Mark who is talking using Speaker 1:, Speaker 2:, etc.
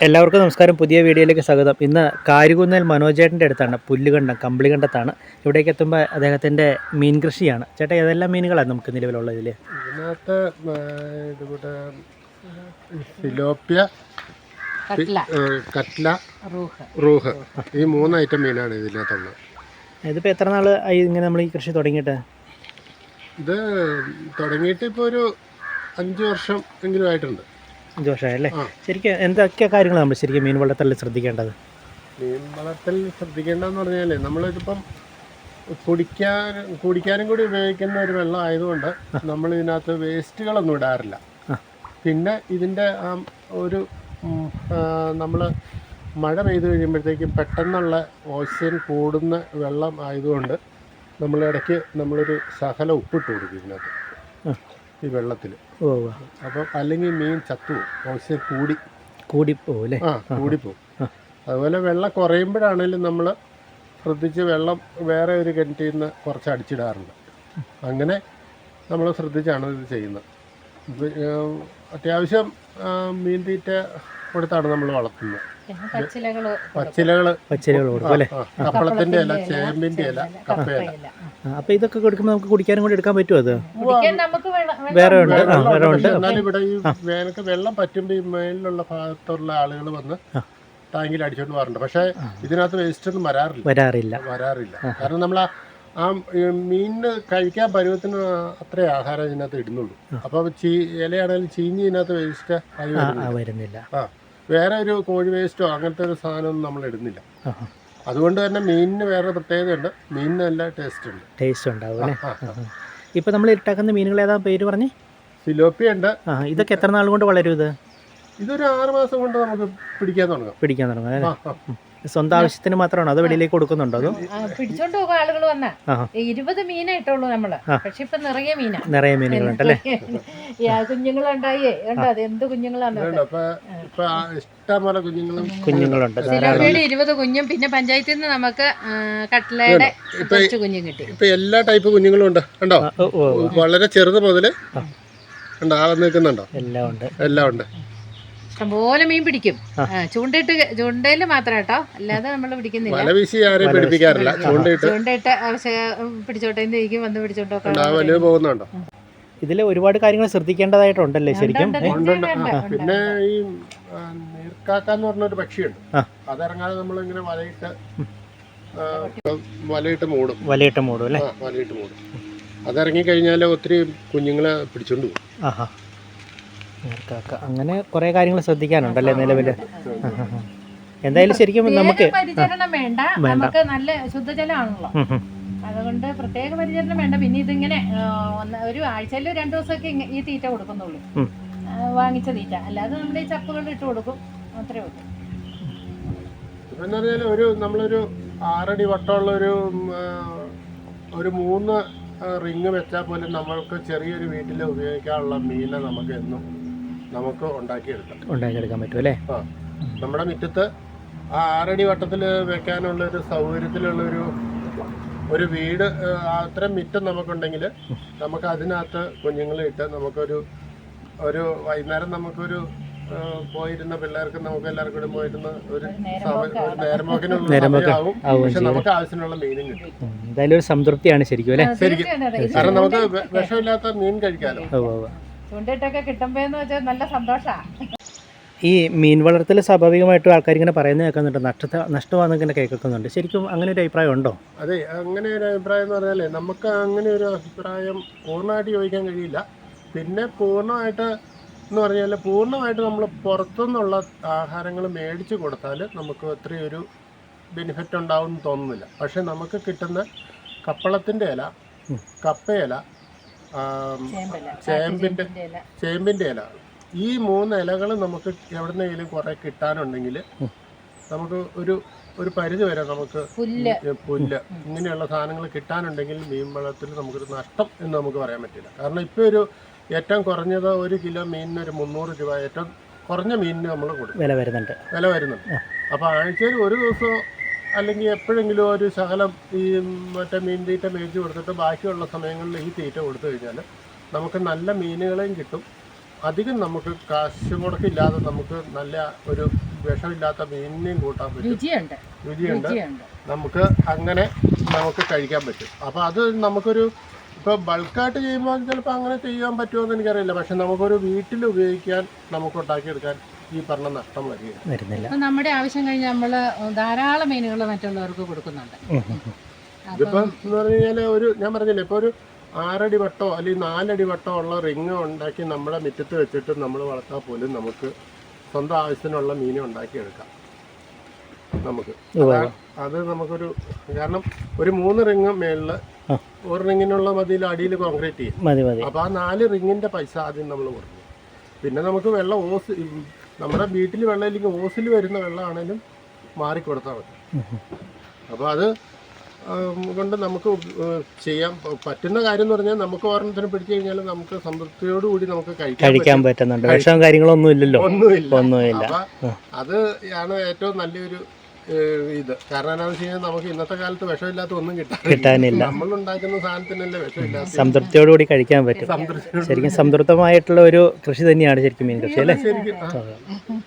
Speaker 1: എല്ലാവർക്കും നമസ്കാരം. പുതിയ വീഡിയോയിലേക്ക് സ്വാഗതം. ഇന്ന് കാരികുന്നേൽ മനോജേട്ടൻ്റെ അടുത്താണ്, പുല്ലുകണ്ടം കമ്പിളികണ്ടത്താണ്. ഇവിടേക്ക് എത്തുമ്പോൾ അദ്ദേഹത്തിൻ്റെ മീൻ കൃഷിയാണ്. ചേട്ടാ, ഏതെല്ലാം മീനുകളാണ് നമുക്ക് നിലവിലുള്ളത് ഇതിൽ?
Speaker 2: ഇതിനകത്ത് ഇതുകൂടെ ഫിലോപ്പിയ, കട്ട്ല, റൂഹ്, ഈ 3 ഐറ്റം മീനാണ് ഇതിനകത്തുള്ളത്.
Speaker 1: ഇതിപ്പോൾ എത്ര നാൾ ഇങ്ങനെ നമ്മൾ ഈ കൃഷി തുടങ്ങിയിട്ട്?
Speaker 2: ഇത് തുടങ്ങിയിട്ട് ഇപ്പോൾ ഒരു 5 വർഷം എങ്കിലും ആയിട്ടുണ്ട്.
Speaker 1: 5 വർഷമായല്ലേ? ശരിക്കും എന്തൊക്കെ കാര്യങ്ങൾ നമ്മൾ ശരിക്കും മീൻ വളർത്തലിൽ ശ്രദ്ധിക്കേണ്ടത്?
Speaker 2: മീൻ വളർത്തൽ ശ്രദ്ധിക്കേണ്ടതെന്ന് പറഞ്ഞാൽ നമ്മളിതിപ്പം കുടിക്കാനും കൂടി ഉപയോഗിക്കുന്ന ഒരു വെള്ളം ആയതുകൊണ്ട് നമ്മൾ ഇതിനകത്ത് വേസ്റ്റുകളൊന്നും ഇടാറില്ല. പിന്നെ ഇതിൻ്റെ ഒരു നമ്മൾ മഴ പെയ്ത് കഴിയുമ്പോഴത്തേക്കും പെട്ടെന്നുള്ള ഓക്സിജൻ കൂടുന്ന വെള്ളം ആയതുകൊണ്ട് നമ്മളിടയ്ക്ക് നമ്മളൊരു ശകലം ഉപ്പിട്ട് കൊടുക്കും ഇതിനകത്ത്, ഈ വെള്ളത്തിൽ. അപ്പം അല്ലെങ്കിൽ മീൻ ചത്തുപോകും, ഓക്സിജൻ കൂടിപ്പോവും അല്ലേ? കൂടിപ്പോവും. അതുപോലെ വെള്ളം കുറയുമ്പോഴാണെങ്കിലും നമ്മൾ ശ്രദ്ധിച്ച് വെള്ളം വേറെ ഒരു കിണറ്റിൽ നിന്ന് കുറച്ച് അടിച്ചിടാറുണ്ട്. അങ്ങനെ നമ്മൾ ശ്രദ്ധിച്ചാണ് ഇത് ചെയ്യുന്നത്. അത്യാവശ്യം മീൻ തീറ്റ കൊടുത്താണ് നമ്മൾ വളർത്തുന്നത്. പച്ചിലകൾ കൊടുക്കും അല്ലേ? കപ്പളത്തിന്റെ ഇല, ചേമ്പിന്റെ ഇല, കപ്പയില.
Speaker 1: അപ്പൊ ഇതൊക്കെ കൊടുക്കുമ്പോൾ നമുക്ക് കുടിക്കാനും കൂടി എടുക്കാൻ പറ്റുമോ? അത് വേറെ ഉണ്ട്.
Speaker 2: എന്നാലും ഇവിടെ ഈ വേനൽക്ക് വെള്ളം പറ്റുമ്പോൾ ഈ മേലിലുള്ള ഭാഗത്തുള്ള ആളുകൾ വന്ന് ടാങ്കിൽ അടിച്ചോണ്ട് പോകാറുണ്ട്. പക്ഷെ ഇതിനകത്ത് വേസ്റ്റ് ഒന്നും വരാറില്ല. കാരണം നമ്മൾ ആ മീനിന് കഴിക്കാൻ പരുവത്തിന് അത്രേ ആഹാരം ഇതിനകത്ത് ഇടുന്നുള്ളൂ. അപ്പൊ ഇലയാണെങ്കിലും ചീഞ്ഞ് ഇതിനകത്ത് വേസ്റ്റ്
Speaker 1: വരുന്നില്ല.
Speaker 2: വേറെ ഒരു കോഴി വേസ്റ്റോ അങ്ങനത്തെ ഒരു സാധനമൊന്നും നമ്മൾ ഇടുന്നില്ല. അതുകൊണ്ട് തന്നെ മീനിന് വേറെ പ്രത്യേകതയുണ്ട്. മീനിന് നല്ല ടേസ്റ്റ് ഉണ്ടാവും.
Speaker 1: ഇപ്പൊ നമ്മൾ ഇട്ടാക്കുന്ന മീനുകൾ ഏതാ പേര് പറഞ്ഞേ?
Speaker 2: ഫിലോപ്പിയ ഉണ്ട്.
Speaker 1: ഇതൊക്കെ എത്ര നാൾ കൊണ്ട് വളരും?
Speaker 2: ഇതൊരു 6 മാസം കൊണ്ട് നമുക്ക് പിടിക്കാൻ തുടങ്ങും.
Speaker 1: സ്വന്തം ആവശ്യത്തിന് മാത്രമാണോ അതോ വെളിയിലേക്ക് കൊടുക്കുന്നുണ്ടോ? അതോ
Speaker 3: പിടിച്ചോണ്ട് പോകും ആളുകൾ വന്ന 20 മീനേ ഇട്ടുള്ളൂ നമ്മള്. പക്ഷെ ഇപ്പൊ നിറയെ
Speaker 1: മീനുകളുണ്ടല്ലേ?
Speaker 3: കുഞ്ഞുങ്ങളുണ്ടായേ അത് എന്ത് കുഞ്ഞുങ്ങളാണ്.
Speaker 2: ഇഷ്ടംപോലെ
Speaker 1: കുഞ്ഞുങ്ങളുണ്ട്.
Speaker 3: 20 കുഞ്ഞും പിന്നെ പഞ്ചായത്തിൽ നിന്ന് നമുക്ക് കട്ട്ലയുടെ കുറച്ച് കുഞ്ഞും കിട്ടി.
Speaker 2: ഇപ്പൊ എല്ലാ ടൈപ്പ് കുഞ്ഞുങ്ങളും ഉണ്ട്. കണ്ടോ, വളരെ ചെറുത് മുതല് ഉണ്ടോ, നിൽക്കുന്നുണ്ടോ? എല്ലാം ഉണ്ട്.
Speaker 3: ഇഷ്ടംപോലെ മീൻ പിടിക്കും. ചൂണ്ടയില് മാത്രം കേട്ടോ, അല്ലാതെ നമ്മൾ പിടിക്കുന്നില്ല. ചൂണ്ടയിട്ട് പിടിച്ചോട്ടെ വന്ന് പിടിച്ചോണ്ടോ.
Speaker 1: ഇതില് ഒരുപാട് കാര്യങ്ങൾ ശ്രദ്ധിക്കേണ്ടതായിട്ടുണ്ടല്ലേ ശരിക്കും?
Speaker 2: പിന്നെ ഈ നീർക്കാക്കാന്ന് പറഞ്ഞൊരു പക്ഷിയുണ്ട്. അതിറങ്ങാതെ നമ്മളിങ്ങനെ വലയിട്ട് മൂടും അല്ലേ? വലയിട്ട് മൂടും. അതിറങ്ങി കഴിഞ്ഞാൽ ഒത്തിരി കുഞ്ഞുങ്ങളെ പിടിച്ചോണ്ട് പോകും.
Speaker 1: അങ്ങനെ കുറെ കാര്യങ്ങൾ ശ്രദ്ധിക്കാനുണ്ടല്ലേ നിലവില്? എന്തായാലും ശരിക്കും നമുക്ക്
Speaker 3: പരിചരണം വേണ്ട, നമുക്ക് നല്ല ശുദ്ധജലമാണല്ലോ, അതുകൊണ്ട് പ്രത്യേക പരിചരണം വേണ്ട. പിന്നെ ഇതിങ്ങനെ ഒരു ആഴ്ചയിൽ 2 ദിവസമൊക്കെ ഈ തീറ്റ കൊടുക്കുന്നുള്ളൂ, വാങ്ങിച്ച തീറ്റ. അല്ലാതെ നമ്മുടെ ഈ ചപ്പുകൾ ഇട്ട് കൊടുക്കും, അത്രേ ഉള്ളൂ.
Speaker 2: ഇതെന്ന് പറഞ്ഞാൽ നമ്മളൊരു 6 അടി വട്ടമുള്ള ഒരു 3 റിങ് വെച്ചാൽ പോലും നമ്മൾക്ക് ചെറിയൊരു വീട്ടിൽ ഉപയോഗിക്കാനുള്ള മീനെ നമുക്ക് ഉണ്ടാക്കിയെടുക്കാൻ
Speaker 1: പറ്റും അല്ലേ?
Speaker 2: നമ്മുടെ മുറ്റത്ത് 6 അടി വട്ടത്തിൽ വെക്കാനുള്ള ഒരു സൗകര്യത്തിലുള്ള ഒരു വീട്, അത്രയും മുറ്റം നമുക്കുണ്ടെങ്കിൽ നമുക്ക് അതിനകത്ത് കുഞ്ഞുങ്ങളെ ഇട്ട് നമുക്കൊരു വൈകുന്നേരം നമുക്കൊരു പോയിരുന്ന പിള്ളേർക്ക് നമുക്ക് എല്ലാവർക്കും കൂടി പോയിരുന്ന ഒരു നേരമ്പോക്കിനും, പക്ഷെ നമുക്ക് ആവശ്യമുള്ള മീനും കിട്ടും.
Speaker 1: എന്തായാലും ഒരു സംതൃപ്തിയാണ് ശരിക്കും അല്ലേ?
Speaker 2: ശരിക്കും. കാരണം നമുക്ക് വിഷമില്ലാത്ത മീൻ കഴിക്കാലോ.
Speaker 3: ചൂണ്ടയിട്ടൊക്കെ കിട്ടുമ്പോന്ന് വെച്ചാൽ നല്ല സന്തോഷമാണ്.
Speaker 1: ഈ മീൻ വളർത്തൽ സ്വാഭാവികമായിട്ടും ആൾക്കാർ ഇങ്ങനെ പറയുന്നത് കേൾക്കുന്നുണ്ട്, നഷ്ടമാണെന്നൊക്കെ കേൾക്കുന്നുണ്ട്. ശരിക്കും അങ്ങനെ ഒരു അഭിപ്രായം ഉണ്ടോ?
Speaker 2: അതെ, അങ്ങനെ ഒരു അഭിപ്രായം എന്ന് പറഞ്ഞാലേ നമുക്ക് അങ്ങനെ ഒരു അഭിപ്രായം പൂർണ്ണമായിട്ട് ചോദിക്കാൻ കഴിയില്ല. പിന്നെ പൂർണ്ണമായിട്ട് നമ്മൾ പുറത്തുനിന്നുള്ള ആഹാരങ്ങൾ മേടിച്ച് കൊടുത്താൽ നമുക്ക് അത്രയും ഒരു ബെനിഫിറ്റ് ഉണ്ടാവും എന്ന് തോന്നുന്നില്ല. പക്ഷെ നമുക്ക് കിട്ടുന്ന കപ്പളത്തിൻ്റെ ഇല, കപ്പയില, ചേമ്പിൻ്റെ ഇല, ഈ 3 ഇലകൾ നമുക്ക് എവിടെന്നെങ്കിലും കുറെ കിട്ടാനുണ്ടെങ്കിൽ നമുക്ക് ഒരു പരിധി വരെ നമുക്ക് പുല്ല് ഇങ്ങനെയുള്ള സാധനങ്ങൾ കിട്ടാനുണ്ടെങ്കിൽ മീൻ വളർത്തൽ നമുക്കൊരു നഷ്ടം എന്ന് നമുക്ക് പറയാൻ പറ്റില്ല. കാരണം ഇപ്പോൾ ഏറ്റവും കുറഞ്ഞത് 1 കിലോ മീനിന് ഒരു 300 രൂപ, ഏറ്റവും കുറഞ്ഞ മീനിന് നമ്മൾ കൊടുക്കും, വില വരുന്നുണ്ട്. അപ്പോൾ ആഴ്ചയിൽ ഒരു ദിവസം അല്ലെങ്കിൽ എപ്പോഴെങ്കിലും ഒരു ശകലം ഈ മറ്റേ മീൻ തീറ്റ മേടിച്ച് കൊടുത്തിട്ട് ബാക്കിയുള്ള സമയങ്ങളിൽ ഈ തീറ്റ കൊടുത്തു കഴിഞ്ഞാൽ നമുക്ക് നല്ല മീനുകളെയും കിട്ടും, അധികം നമുക്ക് കാശ് മുടക്കില്ലാതെ നമുക്ക് നല്ല ഒരു വിഷമില്ലാത്ത മീനിനെയും കൂട്ടാൻ പറ്റും. രുചിയുണ്ട്. നമുക്ക് അങ്ങനെ നമുക്ക് കഴിക്കാൻ പറ്റും. അപ്പോൾ അത് നമുക്കൊരു ഇപ്പോൾ ബൾക്കായിട്ട് ചെയ്യുമ്പോൾ ചിലപ്പോൾ അങ്ങനെ ചെയ്യാൻ പറ്റുമോ എനിക്കറിയില്ല. പക്ഷെ നമുക്കൊരു വീട്ടിൽ ഉപയോഗിക്കാൻ നമുക്ക് ഉണ്ടാക്കിയെടുക്കാൻ ഈ പറഞ്ഞ നഷ്ടം
Speaker 1: വരുന്നില്ല.
Speaker 3: നമ്മുടെ ആവശ്യം കഴിഞ്ഞ് നമ്മൾ ധാരാളം മീനുകൾ മറ്റുള്ളവർക്ക് കൊടുക്കുന്നുണ്ട്.
Speaker 2: ഇതിപ്പം എന്ന് പറഞ്ഞു കഴിഞ്ഞാൽ ഒരു ഞാൻ പറഞ്ഞില്ലേ ഇപ്പോൾ ഒരു 6 അടി വട്ടോ അല്ലെങ്കിൽ 4 അടി വട്ടോ ഉള്ള റിങ് ഉണ്ടാക്കി നമ്മുടെ മുറ്റത്ത് വെച്ചിട്ട് നമ്മൾ വളർത്താൽ പോലും നമുക്ക് സ്വന്തം ആവശ്യത്തിനുള്ള മീൻ ഉണ്ടാക്കിയെടുക്കാം. നമുക്ക് അത് നമുക്കൊരു കാരണം ഒരു 3 റിങ് മേളിൽ ഒരു റിങ്ങിനുള്ള മതിയിൽ അടിയിൽ കോൺക്രീറ്റ് ചെയ്യും. അപ്പോൾ ആ 4 റിങ്ങിൻ്റെ പൈസ ആദ്യം നമ്മൾ കൊടുക്കും. പിന്നെ നമുക്ക് വെള്ളം ഓസ് നമ്മുടെ വീട്ടിൽ വെള്ളം ഇല്ലെങ്കിൽ ഓസിൽ വരുന്ന വെള്ളമാണേലും മാറിക്കൊടുത്താൽ മതി. അപ്പോൾ അത് കൊണ്ട് നമുക്ക് ചെയ്യാൻ പറ്റുന്ന കാര്യം എന്ന് പറഞ്ഞാൽ നമുക്ക് ഓരോരുത്തരും പിടിച്ചു കഴിഞ്ഞാൽ നമുക്ക് സംതൃപ്തിയോടുകൂടി നമുക്ക്
Speaker 1: കഴിക്കാൻ പറ്റുന്നുണ്ട്. വിഷവും കാര്യങ്ങളൊന്നും ഇല്ലല്ലോ. ഒന്നുമില്ല.
Speaker 2: അപ്പം അത് ആണ് ഏറ്റവും നല്ലൊരു ഇത്. കാരണം എന്താണെന്ന് വെച്ച് കഴിഞ്ഞാൽ നമുക്ക് ഇന്നത്തെ കാലത്ത് വിഷമില്ലാത്ത ഒന്നും കിട്ടാനില്ല. നമ്മളുണ്ടാക്കുന്ന സാധനത്തിനല്ലേ വിഷമില്ലാത്ത.
Speaker 1: സംതൃപ്തിയോടുകൂടി കഴിക്കാൻ പറ്റും. ശരിക്കും സംതൃപ്തമായിട്ടുള്ള ഒരു കൃഷി തന്നെയാണ് ശരിക്കും മീൻ കൃഷി അല്ലേ?
Speaker 2: ശരിക്കും